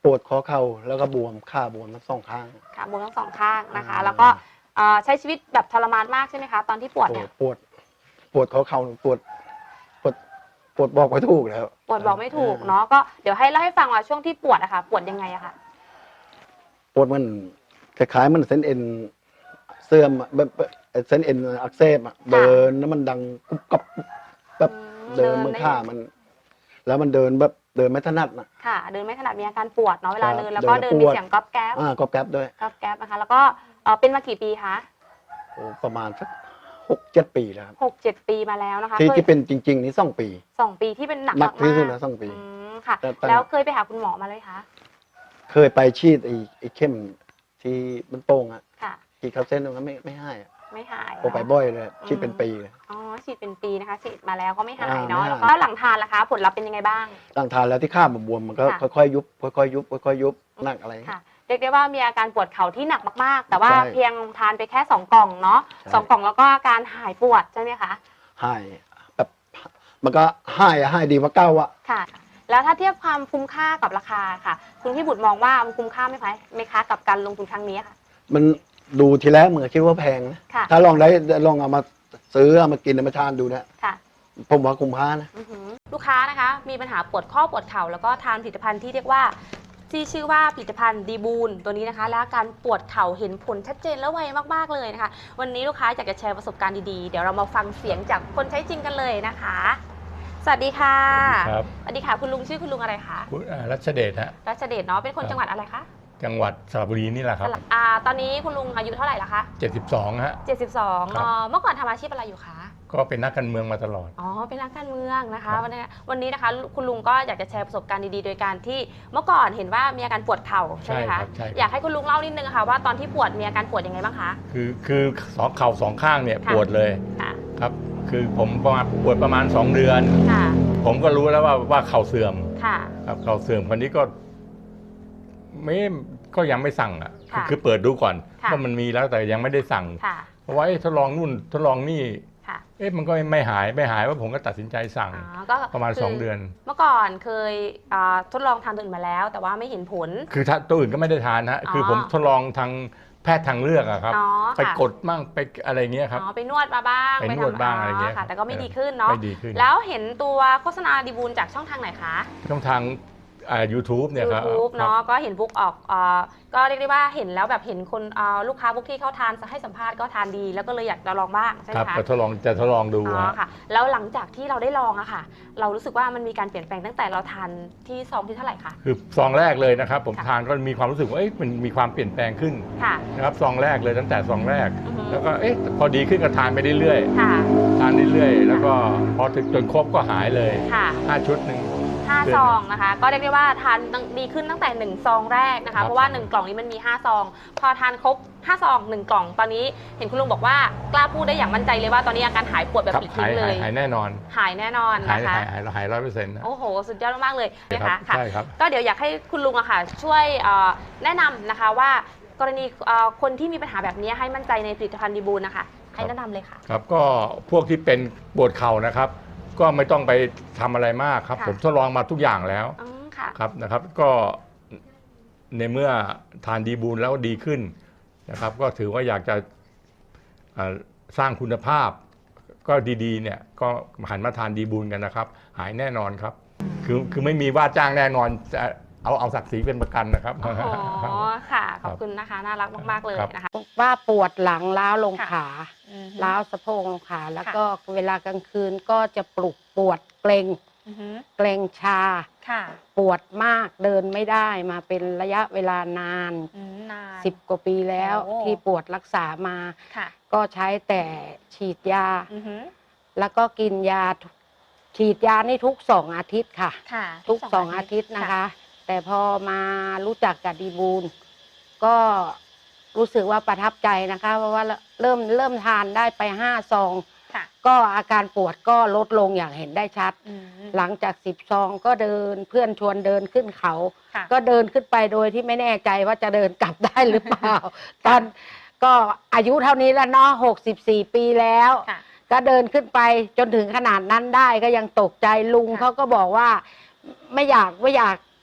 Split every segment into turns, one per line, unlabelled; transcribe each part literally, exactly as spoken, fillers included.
ปวดข้อเข่าแล้วก็บวมขาบวมทั้งสองข้าง
ขาบวมทั้งสองข้างนะคะแล้วก็ใช้ชีวิตแบบทรมานมากใช่ไหมคะตอนที่ปวดเนี่ย
ปวดปวดข้อเข่าปวดปวดปวดบอกไม่ถูกแล้ว
ปวดบอกไม่ถูกเนาะก็เดี๋ยวให้เล่าให้ฟังว่าช่วงที่ปวดอะค่ะปวดยังไงอะค่ะ
ปวดมันคล้ายๆมันเส้นเอ็นเสื่อมแบบเส้นเอ็นอักเสบเดินแล้วมันดังกุบกับแบบเดินมือข้ามันแล้วมันเดินแบบเดินไม่ถนัดนะ
ค่ะเดินไม่ถนัดมีอาการปวดเนาะเวลาเดินแล้วก็เดินมีเสียงก๊อบแก๊บ
อ่าก๊อบแก๊บด้วย
ก๊อบแก๊บนะคะแล้วก็เป็นมากี่ปีคะ
โอ้ประมาณสักหกเจ็ดปีแล้ว
หกเจ็ดปีมาแล้วนะคะ
ที่ที่เป็นจริงๆนี่สองปี
สองปีที่เป็นหนัก
มากที่สุดแล้วสองปี
ค่ะแล้วเคยไปหาคุณหมอมาเลยคะ
เคยไปฉีดไอ้ไอ้เข้มที่มันโป่งอ่ะฉีดเข้าเส้นแล้วไม่ไม่ให้อ่ะ
ไม่หาย
โอไปบ่อยเลยฉีดเป็นปีเลย
อ๋อฉีดเป็นปีนะคะฉีดมาแล้วก็ไม่หายเนาะแล้วก็หลังทานล่ะคะผลลัพธ์เป็นยังไงบ้าง
หลังทานแล้วที่ข้ามบวมมันก็ค่อยๆยุบค่อยๆยุบค่อยๆยุบหนักอะไร
ค่ะเรียกได้ว่ามีอาการปวดเข่าที่หนักมากๆแต่ว่าเพียงทานไปแค่สองกล่องเนาะสองกล่องแล้วก็อาการหายปวดใช่ไหมคะ
หายแบบมันก็หายหายดีกว่าเก้าอะ
ค่ะแล้วถ้าเทียบความคุ้มค่ากับราคาค่ะคุณพี่บุตรมองว่ามันคุ้มค่าไหมคะไหมคะกับการลงทุนครั้งนี้ค่ะ
มันดูทีแรกเหมือนคิดว่าแพงนะถ้าลองได้ลองเอามาซื้อเอามากินเอามาทานดูนะผมว่าคุ้มค่านะ
ลูกค้านะคะมีปัญหาปวดข้อปวดเข่าแล้วก็ทานผลิตภัณฑ์ที่เรียกว่าที่ชื่อว่าผลิตภัณฑ์ดีบูนตัวนี้นะคะและการปวดเข่าเห็นผลชัดเจนและไวมากๆเลยนะคะวันนี้ลูกค้าอยากจะแชร์ประสบการณ์ดีๆเดี๋ยวเรามาฟังเสียงจากคนใช้จริงกันเลยนะคะสวัสดีค่ะ
ครับ
สวัสดีค่ะคุณลุงชื่อคุณลุงอะไรคะ
คุณรัชเดชฮะ
รัชเดชเนาะเป็นคนจังหวัดอะไรคะ
จังหวัดสระบุรีนี่แหละครับ
อ่าตอนนี้คุณลุงอายุเท่าไหร่ละคะ
เจ็ดสิบสองฮะ
เจ็ดสิบสองเมื่อก่อนทำอาชีพอะไรอยู่คะ
ก็เป็นนักการเมืองมาตลอด
อ๋อเป็นนักการเมืองนะคะวันนี้วันนี้นะคะคุณลุงก็อยากจะแชร์ประสบการณ์ดีๆโดยการที่เมื่อก่อนเห็นว่ามีอาการปวดเข่าใช่ไหมคะอยากให้คุณลุงเล่านิดนึงค่ะว่าตอนที่ปวดมีอาการปวดยังไงบ้างคะ
คือคือสองเข่าสองข้างเนี่ยปวดเลยครับคือผมประมาณปวดประมาณสองเดือนผมก็รู้แล้วว่าว่าเข่าเสื่อมครับเข่าเสื่อมคนนี้ก็ไม่ก็ยังไม่สั่งอ่ะคือเปิดดูก่อนว่ามันมีแล้วแต่ยังไม่ได้สั่งเพราะว่าทดลองนู่นทดลองนี่เอ๊ะมันก็ไม่หายไม่หายว่าผมก็ตัดสินใจสั่งประมาณสองเดือน
เมื่อก่อนเคยทดลองทานตัวอื่นมาแล้วแต่ว่าไม่เห็นผล
คือตัวอื่นก็ไม่ได้ทานฮะคือผมทดลองทางแพทย์ทางเลือกอะครับไปกดบ้างไปอะไรเงี้ยครับ
ไปนวดมาบ้าง
ไปนวดบ้างอะไรเงี้ย
แต่ก็ไม่ดีขึ้นเนาะแล้วเห็นตัวโฆษณาดีบูลจากช่องทางไหนคะ
ช่องทางยูทูบเนี่ยครับ
ยูทูบเนาะก็เห็นบุ๊กออกก็เรียกได้ว่าเห็นแล้วแบบเห็นคนลูกค้าบุ๊กที่เขาทานให้สัมภาษณ์ก็ทานดีแล้วก็เลยอยากจะลองบ้างใช่ไหมคะ
ครับทดลองจะทดลองดู
ค่ะแล้วหลังจากที่เราได้ลองอะค่ะเรารู้สึกว่ามันมีการเปลี่ยนแปลงตั้งแต่เราทานที่ซองที่เท่าไหร่คะ
คือซองแรกเลยนะครับผมทานก็มีความรู้สึกว่ามันมีความเปลี่ยนแปลงขึ้นนะครับซองแรกเลยตั้งแต่ซองแรกแล้วก็เอ๊ะพอดีขึ้นก็ทานไปเรื่อยๆทานเรื่อยๆแล้วก็พอถึงจนครบก็หายเลยห้าชุดหนึ่ง
ห้าซองนะคะก็เรียกได้ว่าทานดีขึ้นตั้งแต่หนึ่งซองแรกนะคะเพราะว่าหนึ่งกล่องนี้มันมีห้าซองพอทานครบห้าซองหนึ่งกล่องตอนนี้เห็นคุณลุงบอกว่ากล้าพูดได้อย่างมั่นใจเลยว่าตอนนี้อาการหายปวดแบบปลิดทิ้งเลย
หายแน่นอน
หายแน่นอนนะคะ
หายหายร้อยเปอร์เซ็นต์
โอ้โหสุดยอดมากเลยนะคะค่ะก็เดี๋ยวอยากให้คุณลุงอะค่ะช่วยแนะนำนะคะว่ากรณีคนที่มีปัญหาแบบนี้ให้มั่นใจในผลิตภัณฑ์ดีบูลนะคะให้แนะนำเลยค่ะ
ครับก็พวกที่เป็นปวดเข่านะครับก็ไม่ต้องไปทำอะไรมากครับผมทดลองมาทุกอย่างแล้วครับนะครับก็ในเมื่อทานดีบูลแล้วดีขึ้นนะครับก็ถือว่าอยากจะสร้างคุณภาพก็ดีๆเนี่ยก็หันมาทานดีบูลกันนะครับหายแน่นอนครับคือคือไม่มีว่าจ้างแน่นอนจะเอาเอาศักดิ์ศรีเป็นประกันนะครับ
อ๋อค่ะขอบคุณนะคะน่ารักมากๆเลยนะคะ
ว่าปวดหลังล้าวลงขาล้าวสะโพกลงขาแล้วก็เวลากลางคืนก็จะปลุกปวดเกร็งเกร็งชาปวดมากเดินไม่ได้มาเป็นระยะเวลานานสิบกว่าปีแล้วที่ปวดรักษามาก็ใช้แต่ฉีดยาแล้วก็กินยาฉีดยานี่ทุกสองอาทิตย์ค่ะทุกสองอาทิตย์นะคะแต่พอมารู้จักกับดีบูลก็รู้สึกว่าประทับใจนะคะเพราะว่าเริ่มเริ่มทานได้ไปห้าซองก็อาการปวดก็ลดลงอย่างเห็นได้ชัดหลังจากสิบซองก็เดินเพื่อนชวนเดินขึ้นเขาก็เดินขึ้นไปโดยที่ไม่แน่ใจว่าจะเดินกลับได้หรือเปล่าตอนก็อายุเท่านี้แล้วเนาะหกสิบสี่ปีแล้วก็เดินขึ้นไปจนถึงขนาดนั้นได้ก็ยังตกใจลุงเขาก็บอกว่าไม่อยากไม่อยากก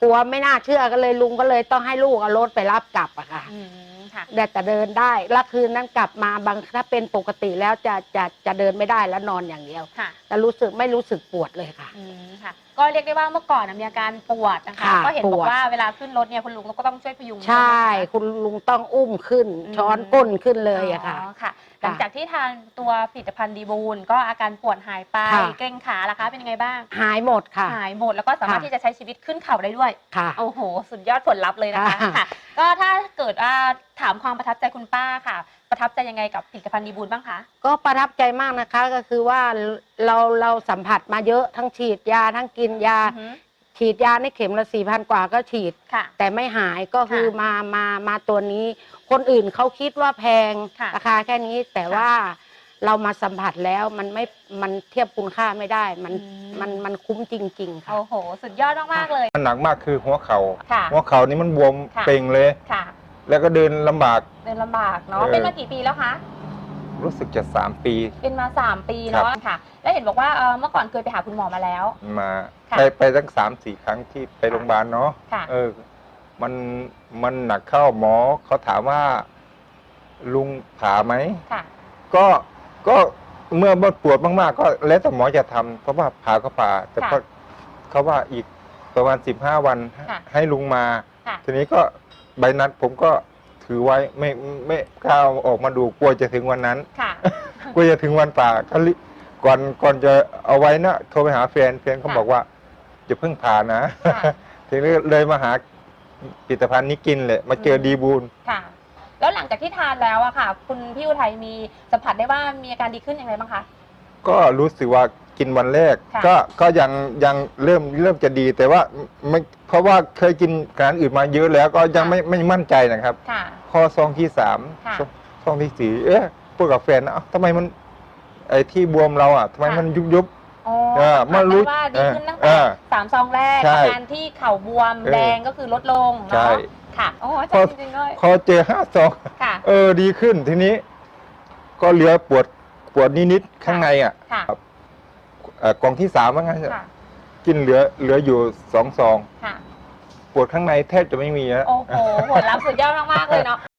กลัวไม่น่าเชื่อก็เลยลุงก็เลยต้องให้ลูกเอารถไปรับกลับอะค่ะ
อืมค่ะ
แต่แต่เดินได้แล้วคืนนั้นกลับมาบางถ้าเป็นปกติแล้วจะจะจะเดินไม่ได้แล้วนอนอย่างเดียว
ค่ะ
แต่รู้สึกไม่รู้สึกปวดเลยค่ะ
อืมค่ะ ก็เรียกได้ว่าเมื่อก่อนนะมีอาการปวดนะคะ
ค่ะ
ก็เห็นบอ
ป
ก
วด
ว่าเวลาขึ้นรถเนี่ยคุณลุงก็ต้องช่วยพยุง
ใช่
ไหมคะ
คุณลุงต้องอุ้มขึ้น ช้อนก้นขึ้นเลยอะค่ะ
อ๋อค่ะ หลังจากที่ทานตัวผลิตภัณฑ์ดีบูลก็อาการปวดหายไป
ค่ะ
เกร็งขาล่ะคะเป็นยังไงบ้าง
หายหมดค่ะ
หายหมดแล้วก็สามารถ
ค่ะ
ที่จะใช้ชีวิตขึ้นเขาได้ด้วย
ค่ะ
โอ้โห สุดยอดผลลัพธ์เลยนะคะ
ค่ะ
ค่ะ ก็ถ้าเกิดว่าถามความประทับใจคุณป้าค่ะ ประทับใจยังไงกับผลิตภัณฑ์ดีบูลบ้างคะ
ก็ประทับใจมากนะคะก็คือว่าเราเราสัมผัสมาเยอะทั้งฉีดยาทั้งกินยา
อือฮึ
ฉีดยาในเข็มละสี่พันกว่าก็ฉีด
ค่ะ
แต่ไม่หายก็คือ
ค่ะ
มามามาตัวนี้ คนอื่นเขาคิดว่าแพง
ค่ะ
ราคาแค่นี้ แต่
ค่ะ
ว่าเรามาสัมผัสแล้วมันไม่มันเทียบคุณค่าไม่ได้ มัน
อืม
มันมันคุ้มจริง ๆ ค่ะ
โอ้โห สุดยอดมากๆเลย
มันหนักมากคือหัวเขา
ค่ะ
่าหัวเข่านี่มันบวม
ค่ะ
เป่งเลย
ค่ะ
แล้วก็เดินลำบาก
เดินลำบากเนาะ
เออ
เป็นมากี่ปีแล้วคะ
รู้สึกจะสามปี
เป็นมาสามปีเนาะค่ะ แล้วเห็นบอกว่าเอ่อเมื่อก่อนเคยไปหาคุณหมอมาแล้ว
มา
ค่ะ
ไปไปตั้งสามสี่ครั้งที่ไปโรงพยาบาลเนาะ
ค่ะ
เออ มันมันหนักเข้าหมอเขาถามว่า ลุงผ่าไหม
ค่ะ
ก็ก็เมื่อปวดมากๆ ก็แล้วแต่หมอจะทำเพราะว่าผ่าก็ผ่า แต่
ค่ะ
ก็เขาว่าอีกประมาณสิบห้าวัน
ค่ะ
ให้ลุงมา
ค่ะ
ทีนี้ก็ใบนัดผมก็ถือไว้ไม่ไม่กล้าเอาออกมาดูกลัวจะถึงวันนั้น
ค่ะ
กลัวจะถึงวันป่าก็รีก่อนก่อนจะเอาไว้นะโทรไปหาแฟนแฟนเขา
ค่ะ
บอกว่าจะเพิ่งผ่านะ
ค่ะ
ทีนี้เลยมาหาผลิตภัณฑ์นี้กินเลยมาเจอ
อืม
ดีบูล
ค่ะ แล้วหลังจากที่ทานแล้วอะค่ะ คุณพี่อุทัยมีสัมผัสได้ว่ามีอาการดีขึ้นอย่างไรบ้างคะ
ก็รู้สึกว่ากินวันแรก
ค่ะ
ก็ก็ยังยังเริ่มเริ่มจะดี แต่ว่าไม่เพราะว่าเคยกินอาหารอื่นมาเยอะแล้วก็ยังไม่ไม่มั่นใจนะครับ
ค่ะ
พอซองที่สาม
ค่ะ
ซองซองที่สี่เอ๊ะพูดกับแฟนนะเอ้าทำไมมันไอ้ที่บวมเราอ่ะทำไม
ค่ะ
มันยุบยุบ
อ๋อ
เออ
สัมผัส
เมื่อรู้
ได้ว่าดีขึ้นตั้ง
เอ
แต่
อ
สามซองแรก
ใช่
อาการที่เข่าบวม
เออ
แดงก็คือลดลง
ใช่
เนาะค่ะ โอ้อา
พ
จา
อ
รย์จริงๆเลย
พอเจอห้าซอง
ค่ะ
เออดีขึ้นทีนี้ ก็เหลือปวดปวดนิดๆข้างในอ่ะ
ค่ะ
เอ่อกล่องที่สามว่างั้น
ค่ะ
กินเหลือเหลืออยู่สองซอง
ค่ะ
ปวดข้างในแทบจะไม่มีแล้ว
โอ้โหผลลัพธ์สุดยอดมากๆเลยเนาะ